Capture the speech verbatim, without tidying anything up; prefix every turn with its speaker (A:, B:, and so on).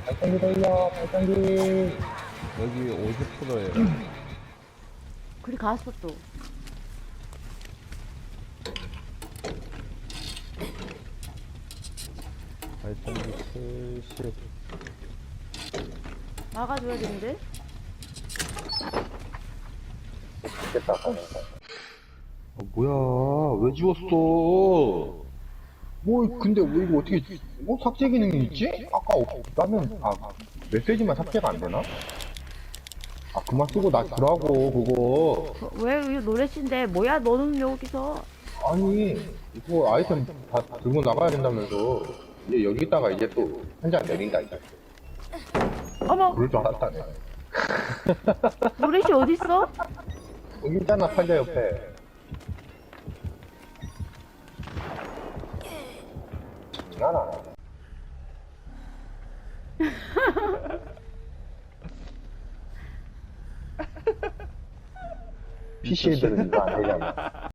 A: 발전기 돌려, 발전기.
B: 여기 오십 퍼센트예요.
C: 그리 갔어 또.
B: 발전기 칠십.
C: 막아줘야겠는데?
A: 됐다,
B: 어, 뭐야? 왜 지웠어?
A: 뭐, 근데 왜 이거 어떻게, 뭐 삭제 기능이 있지? 아까 없다면, 아, 메시지만 삭제가 안 되나? 아, 그만 쓰고 나 들어가고, 그거.
C: 그, 왜 이거 노래신데 뭐야 너는 여기서?
A: 아니, 이거 아이템 다 들고 나가야 된다면서. 이제 여기다가 이제 또 한 장 내린다, 이제.
C: 어머
A: 그럴 줄 알았다네.
C: 노래시 어딨어?
A: 여기 있잖아, 판자 옆에. 장난하나. 피씨 애들은 이거 안 되잖아.